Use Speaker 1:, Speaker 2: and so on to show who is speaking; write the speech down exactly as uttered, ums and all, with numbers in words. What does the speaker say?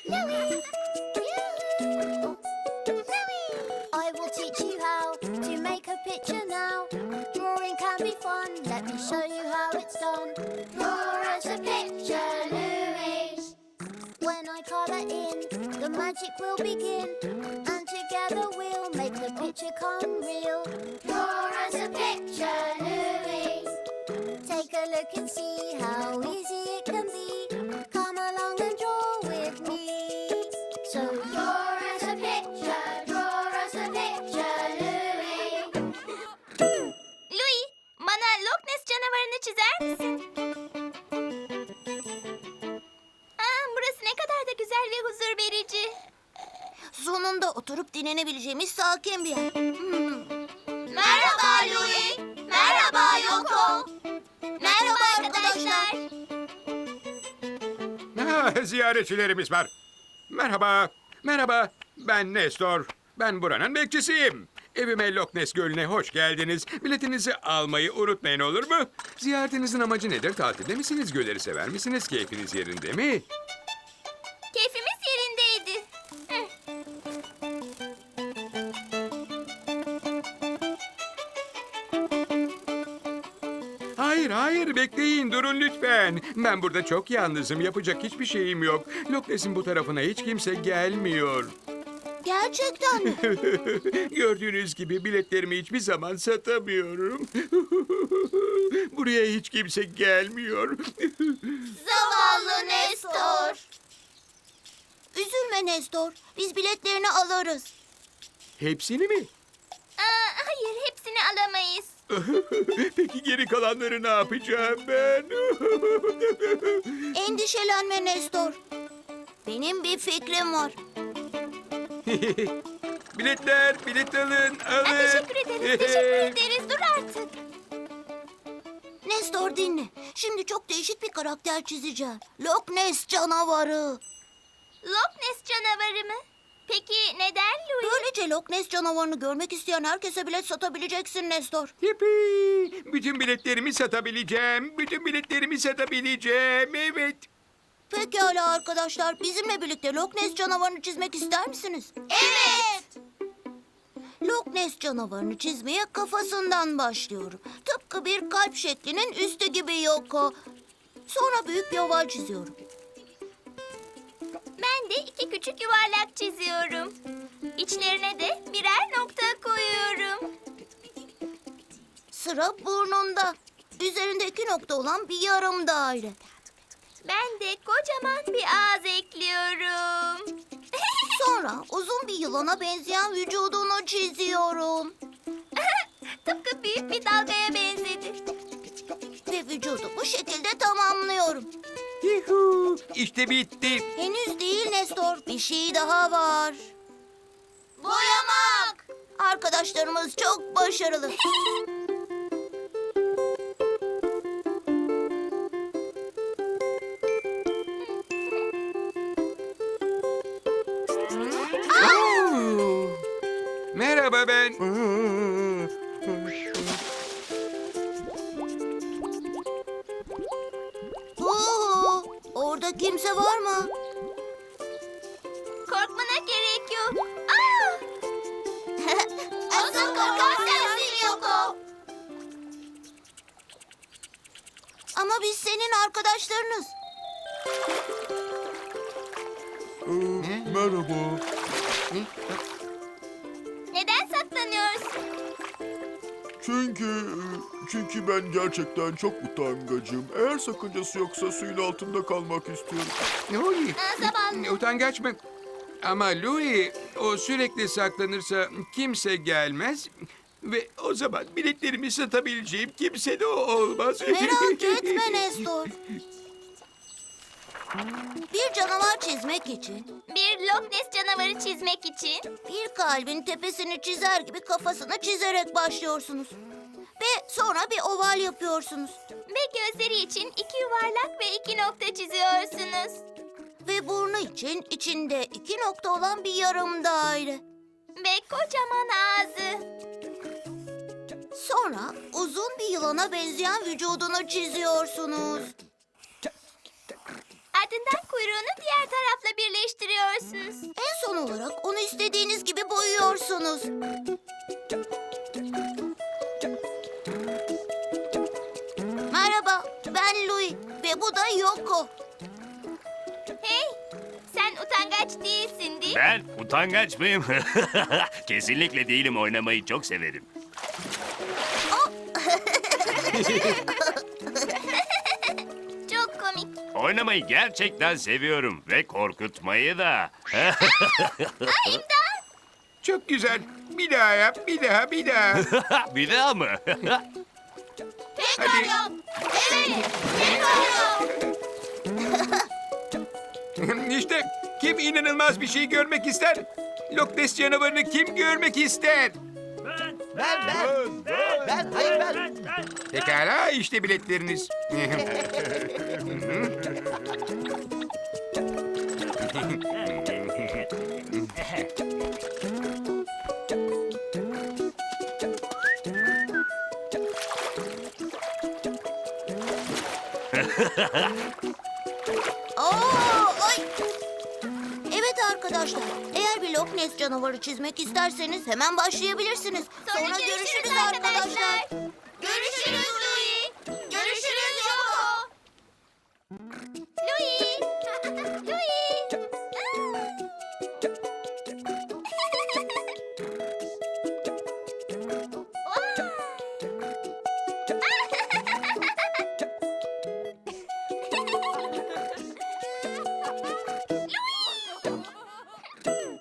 Speaker 1: Louie! I will teach you how to make a picture now. Drawing can be fun. Let me show you how it's done. Draw us a picture, Louie. When I colour in, the magic will begin. And together we'll make the picture come real. Draw us a picture, Louie. Take a look and see how easy it can be. Come along and draw with me. So draw us a picture, draw us a picture, Louie.
Speaker 2: Louie, bana Loch Ness canavarını çizer misin? Aa, burası ne kadar da güzel ve huzur verici.
Speaker 1: Sonunda oturup dinlenebileceğimiz sakin bir yer. Hmm.
Speaker 2: Merhaba Louie. Merhaba Yoko. Merhaba arkadaşlar.
Speaker 3: Ha, ziyaretçilerimiz var. Merhaba, merhaba. Ben Nestor. Ben buranın bekçisiyim. Evime Loch Ness Gölü'ne hoş geldiniz. Biletinizi almayı unutmayın, olur mu? Ziyaretinizin amacı nedir? Tatilde misiniz? Gölleri sever misiniz? Keyfiniz yerinde mi?
Speaker 2: Keyfimiz yerindeydi. Hı.
Speaker 3: Hayır, hayır. Bekleyin, durun lütfen. Ben burada çok yalnızım. Yapacak hiçbir şeyim yok. Loch Ness'in bu tarafına hiç kimse gelmiyor.
Speaker 1: Gerçekten mi?
Speaker 3: Gördüğünüz gibi biletlerimi hiçbir zaman satamıyorum. Buraya hiç kimse gelmiyor.
Speaker 2: Zavallı Nestor.
Speaker 1: Üzülme Nestor. Biz biletlerini alırız.
Speaker 3: Hepsini mi?
Speaker 2: Aa, hayır, hepsini alamayız.
Speaker 3: Peki geri kalanları ne yapacağım ben?
Speaker 1: Endişelenme Nestor. Benim bir fikrim var.
Speaker 3: Biletler, bilet alın, alın.
Speaker 2: Aa, teşekkür ederiz, teşekkür ederiz. Dur artık.
Speaker 1: Nestor dinle. Şimdi çok değişik bir karakter çizeceğim. Loch Ness canavarı.
Speaker 2: Loch Ness canavarı mı? Peki neden Louie?
Speaker 1: Böylece Loch Ness canavarını görmek isteyen herkese bilet satabileceksin Nestor.
Speaker 3: Yippee! Bütün biletlerimi satabileceğim. Bütün biletlerimi satabileceğim. Evet.
Speaker 1: Pekala arkadaşlar. Bizimle birlikte Loch Ness canavarını çizmek ister misiniz?
Speaker 2: Evet.
Speaker 1: Loch Ness canavarını çizmeye kafasından başlıyorum. Tıpkı bir kalp şeklinin üstü gibi Yoko. Sonra büyük bir oval çiziyorum.
Speaker 2: Ben de iki küçük yuvarlak çiziyorum. İçlerine de birer nokta koyuyorum.
Speaker 1: Sıra burnunda. Üzerinde iki nokta olan bir yarım daire.
Speaker 2: Ben de kocaman bir ağız ekliyorum.
Speaker 1: Sonra uzun bir yılana benzeyen vücudunu çiziyorum.
Speaker 2: Tıpkı büyük bir dalgaya benzedi.
Speaker 1: Ve vücudu bu şekilde tamamlıyorum.
Speaker 3: Yuhu! İşte bitti.
Speaker 1: Henüz değil Nestor. Bir şey daha var.
Speaker 2: Boyamak.
Speaker 1: Arkadaşlarımız çok başarılı.
Speaker 3: Oo! Merhaba ben.
Speaker 1: Oo, orada kimse var mı?
Speaker 2: Korkmana gerek yok. Aa! Asıl korkan sensin Yoko.
Speaker 1: Ama biz senin arkadaşlarınız.
Speaker 4: Merhaba.
Speaker 2: Neden saklanıyorsun?
Speaker 4: Çünkü çünkü ben gerçekten çok utangacım. Eğer sakıncası yoksa suyun altında kalmak istiyorum.
Speaker 3: Louie,
Speaker 2: Aa, zavallı.
Speaker 3: utangaç mı? Ama Louie, o sürekli saklanırsa kimse gelmez. Ve o zaman biletlerimi satabileceğim kimse de o olmaz.
Speaker 1: Merak etme Nestor. Bir canavar çizmek için
Speaker 2: Bir Loch Ness canavarı çizmek için
Speaker 1: bir kalbin tepesini çizer gibi kafasını çizerek başlıyorsunuz. Ve sonra bir oval yapıyorsunuz.
Speaker 2: ve gözleri için iki yuvarlak ve iki nokta çiziyorsunuz.
Speaker 1: Ve burnu için içinde iki nokta olan bir yarım daire.
Speaker 2: Ve kocaman ağzı.
Speaker 1: Sonra uzun bir yılana benzeyen vücudunu çiziyorsunuz.
Speaker 2: Ardından kuyruğunu diğer tarafla birleştiriyorsunuz.
Speaker 1: olarak onu istediğiniz gibi boyuyorsunuz. Merhaba, ben Louie ve bu da Yoko.
Speaker 2: Hey, sen utangaç değilsin değil mi?
Speaker 5: Ben utangaç mıyım? Kesinlikle değilim, oynamayı çok severim.
Speaker 2: Çok komik.
Speaker 5: Oynamayı gerçekten seviyorum ve korkutmayı da.
Speaker 3: Çok güzel. Bir daha yap, bir daha, bir daha.
Speaker 5: Bir daha mı?
Speaker 2: Tekrar
Speaker 3: Hadi.
Speaker 2: yap. Evet, tekrar yap.
Speaker 3: İşte kim inanılmaz bir şey görmek ister? Loch Ness canavarını kim görmek ister?
Speaker 6: Ben, ben, ben, hayır ben.
Speaker 3: Pekala, işte biletleriniz.
Speaker 1: Aa, ay. Evet arkadaşlar, eğer bir Loch Ness canavarı çizmek isterseniz hemen başlayabilirsiniz. Sonra, görüşürüz arkadaşlar.